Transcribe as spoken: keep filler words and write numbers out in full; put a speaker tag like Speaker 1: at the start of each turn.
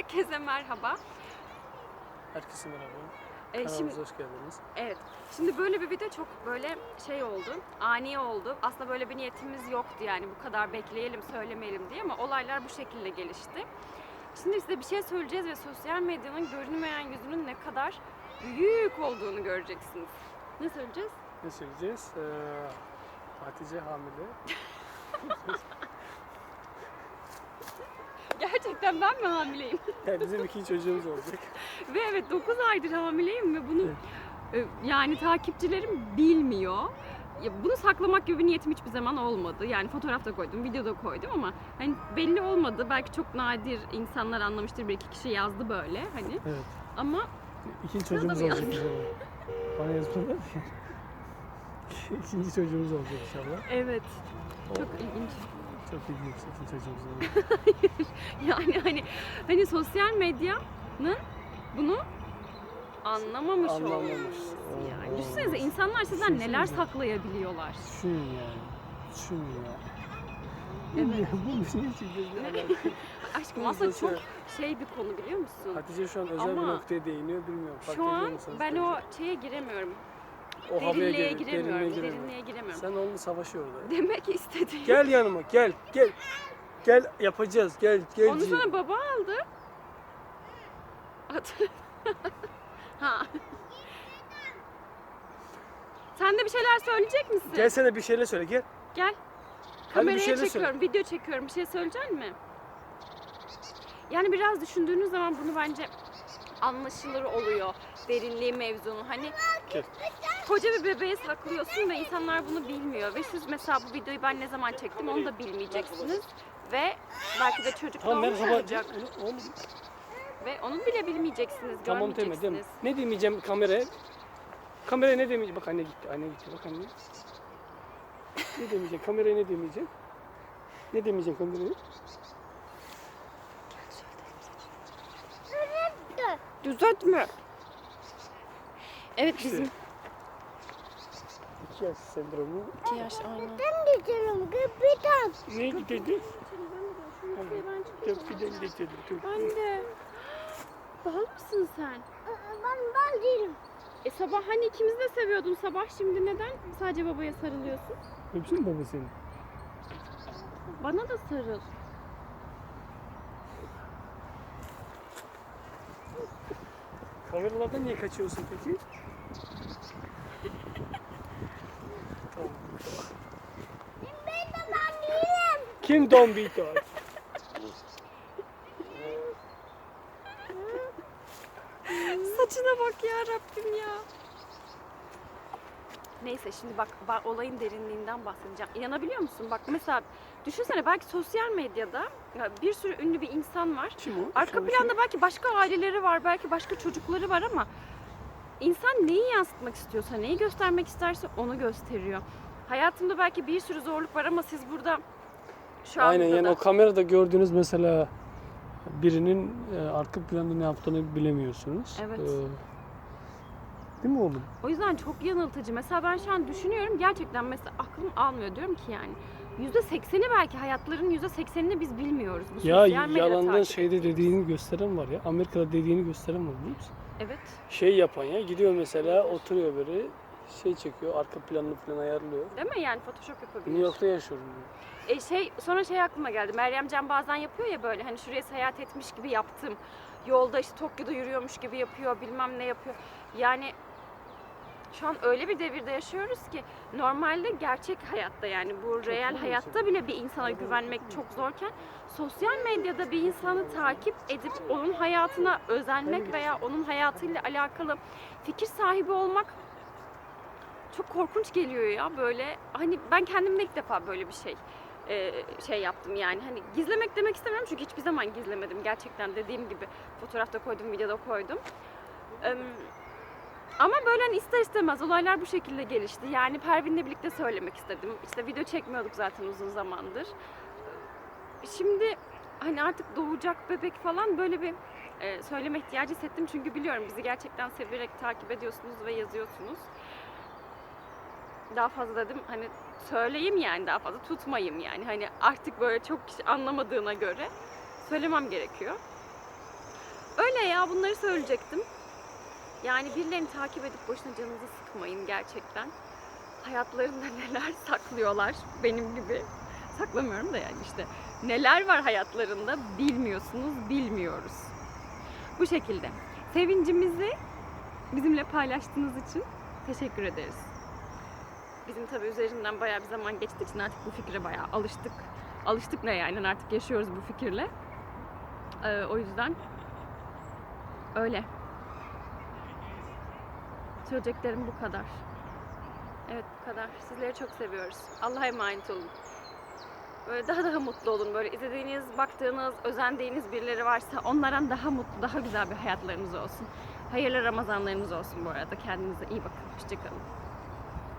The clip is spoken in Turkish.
Speaker 1: Herkese merhaba.
Speaker 2: Herkese merhaba.
Speaker 1: Ee,
Speaker 2: Kanalımıza
Speaker 1: şimdi,
Speaker 2: hoş geldiniz.
Speaker 1: evet. Şimdi böyle bir video çok böyle şey oldu, ani oldu. Aslında böyle bir niyetimiz yoktu yani bu kadar bekleyelim, söylemeyelim diye ama olaylar bu şekilde gelişti. Şimdi size bir şey söyleyeceğiz ve sosyal medyanın görünmeyen yüzünün ne kadar büyük olduğunu göreceksiniz. Ne söyleyeceğiz?
Speaker 2: Ne söyleyeceğiz? Ee, Hatice hamile.
Speaker 1: Gerçekten ben mi hamileyim?
Speaker 2: Yani bizim iki çocuğumuz olacak.
Speaker 1: Ve evet dokuz aydır hamileyim ve bunu
Speaker 2: Evet.
Speaker 1: e, yani takipçilerim bilmiyor. Ya bunu saklamak gibi bir niyetim hiçbir zaman olmadı. Yani fotoğrafta koydum, videoda koydum ama hani belli olmadı. Belki çok nadir insanlar anlamıştır. Bir iki kişi yazdı böyle hani.
Speaker 2: Evet.
Speaker 1: Ama
Speaker 2: İkinci çocuğumuz
Speaker 1: mı
Speaker 2: olacak inşallah. Bana yazmadılar diye. İkinci çocuğumuz olacak inşallah.
Speaker 1: evet. Çok ilginç.
Speaker 2: Çok ilginç ikinci çocuğumuz olacak.
Speaker 1: Yani hani hani sosyal medyanın bunu anlamamış
Speaker 2: Anlamamış.
Speaker 1: olması yani.
Speaker 2: Oo.
Speaker 1: Düşünsenize insanlar sizden neler
Speaker 2: Düşünsenize.
Speaker 1: saklayabiliyorlar.
Speaker 2: Düşün yani. Düşün ya.
Speaker 1: Evet.
Speaker 2: Bu ne çekiyor bir alaka?
Speaker 1: Aşkım
Speaker 2: Bu
Speaker 1: aslında
Speaker 2: sosyal-
Speaker 1: çok şey bir konu biliyor musun?
Speaker 2: Hatice şu an özel
Speaker 1: Ama
Speaker 2: bir noktaya değiniyor bilmiyorum. Fark
Speaker 1: Şu
Speaker 2: ediyor
Speaker 1: an
Speaker 2: musunuz?
Speaker 1: ben o şeye giremiyorum.
Speaker 2: o havaya
Speaker 1: Derinliğe
Speaker 2: gir-
Speaker 1: giremiyorum.
Speaker 2: derinliğe giremiyor.
Speaker 1: Derinliğe giremiyorum.
Speaker 2: Sen onunla savaşıyor orada.
Speaker 1: Demek istediğim.
Speaker 2: Gel yanıma gel gel. Gel yapacağız gel gel.
Speaker 1: Onu sana baba aldı. Hatırladım. Ha. Sen de bir şeyler söyleyecek misin?
Speaker 2: Gel sana bir şeyler söyle gel.
Speaker 1: Gel.
Speaker 2: Hadi bir
Speaker 1: Kameraya
Speaker 2: şeyler
Speaker 1: çekiyorum, video çekiyorum. Bir şey söyleyecek misin? Yani biraz düşündüğünüz zaman bunu bence anlaşılır oluyor. Derinliği mevzunun. Hani
Speaker 2: Gel.
Speaker 1: koca bir bebeği saklıyorsun ve insanlar bunu bilmiyor. Ve siz mesela bu videoyu ben ne zaman çektim onu da bilmeyeceksiniz. Ve belki de çocuk
Speaker 2: Tamam
Speaker 1: doğmuş
Speaker 2: merhaba.
Speaker 1: olacak.
Speaker 2: Onu, onu,
Speaker 1: Ve onu bile bilmeyeceksiniz,
Speaker 2: tamam deme
Speaker 1: görmeyeceksiniz.
Speaker 2: deme. Ne demeyeceğim kameraya? Kameraya ne demeyeceğim? Bak anne gitti. Anne gitti. Bak anne. Ne demeyeceğim? Kameraya ne demeyeceğim? Ne demeyeceğim kameraya?
Speaker 1: Düzeltme. Evet
Speaker 2: İşte.
Speaker 1: bizim
Speaker 2: İki yaş sendromu.
Speaker 1: iki yaş aynen.
Speaker 3: Ben gidiyorum kapıdan.
Speaker 2: Ne dedi?
Speaker 1: Ben
Speaker 2: Köprüden geçelim.
Speaker 1: Ben de. Bal mısın sen?
Speaker 3: Ben ben değilim.
Speaker 1: E sabah hani ikimiz de seviyordun sabah, şimdi neden sadece babaya sarılıyorsun?
Speaker 2: Öpsün baba seni.
Speaker 1: Bana da sarıl.
Speaker 2: Kameralardan niye kaçıyorsun peki? Tamam.
Speaker 3: Ben de ben değilim.
Speaker 2: Kim Don Vito?
Speaker 1: Saçına bak ya Rabbim ya. Neyse şimdi bak, bak olayın derinliğinden bahsedeceğim. İnanabiliyor musun? Bak mesela düşünsene, belki sosyal medyada ya bir sürü ünlü bir insan var.
Speaker 2: Kim o?
Speaker 1: Arka
Speaker 2: Şu an
Speaker 1: planda belki başka aileleri var, belki başka çocukları var ama insan neyi yansıtmak istiyorsa, neyi göstermek isterse onu gösteriyor. Hayatımda belki bir sürü zorluk var ama siz burada şu anda
Speaker 2: Aynen yani
Speaker 1: da...
Speaker 2: o kamerada gördüğünüz mesela birinin e, arka planda ne yaptığını bilemiyorsunuz.
Speaker 1: Evet.
Speaker 2: Ee, değil mi oğlum?
Speaker 1: O yüzden çok yanıltıcı. Mesela ben şu an düşünüyorum, gerçekten mesela aklım almıyor, diyorum ki yani yüzde sekseni belki hayatlarının yüzde seksenini biz bilmiyoruz. Bu
Speaker 2: Ya
Speaker 1: sosyal medya
Speaker 2: yalandan
Speaker 1: takip
Speaker 2: şeyde
Speaker 1: ettiğimiz.
Speaker 2: dediğini gösteren var ya. Amerika'da dediğini gösteren var biliyor musun?
Speaker 1: Evet.
Speaker 2: Şey yapan ya gidiyor mesela oturuyor böyle şey çekiyor arka planını falan ayarlıyor.
Speaker 1: Değil mi? Yani Photoshop yapabilir.
Speaker 2: New York'ta yaşıyorum diyor.
Speaker 1: E şey, sonra şey aklıma geldi. Meryem Can bazen yapıyor ya böyle, hani şuraya seyahat etmiş gibi yaptım. Yolda işte Tokyo'da yürüyormuş gibi yapıyor, bilmem ne yapıyor. Yani şu an öyle bir devirde yaşıyoruz ki normalde gerçek hayatta, yani bu reel
Speaker 2: zor
Speaker 1: hayatta bile bir insana güvenmek çok zorken sosyal medyada bir insanı takip edip onun hayatına özenmek veya onun hayatıyla alakalı fikir sahibi olmak çok korkunç geliyor ya. Böyle hani ben kendimde ilk defa böyle bir şey e, şey yaptım yani. Hani gizlemek demek istemiyorum çünkü hiçbir zaman gizlemedim gerçekten, dediğim gibi fotoğrafta koydum, videoda koydum. Ee, Ama böyle hani ister istemez olaylar bu şekilde gelişti. Yani Pervin'le birlikte söylemek istedim. İşte video çekmiyorduk zaten uzun zamandır. Şimdi hani artık doğacak bebek falan, böyle bir e, söyleme ihtiyacı hissettim. Çünkü biliyorum bizi gerçekten severek takip ediyorsunuz ve yazıyorsunuz. Daha fazla dedim hani söyleyeyim, yani daha fazla tutmayayım yani. Hani artık böyle çok kişi anlamadığına göre söylemem gerekiyor. Öyle ya, bunları söyleyecektim. Yani birilerini takip edip boşuna canınızı sıkmayın gerçekten. Hayatlarında neler saklıyorlar benim gibi. Saklamıyorum da yani işte. Neler var hayatlarında bilmiyorsunuz, bilmiyoruz. Bu şekilde. Sevincimizi bizimle paylaştığınız için teşekkür ederiz. Bizim tabii üzerinden bayağı bir zaman geçtiği için artık bu fikre bayağı alıştık. Alıştık ne yani, artık yaşıyoruz bu fikirle. Ee, o yüzden öyle. Söyleyeceklerim bu kadar. Evet, bu kadar. Sizleri çok seviyoruz. Allah'a emanet olun. Böyle daha daha mutlu olun. Böyle izlediğiniz, baktığınız, özendiğiniz birileri varsa onlardan daha mutlu, daha güzel bir hayatlarınız olsun. Hayırlı Ramazanlarınız olsun bu arada. Kendinize iyi bakın. Hoşça kalın.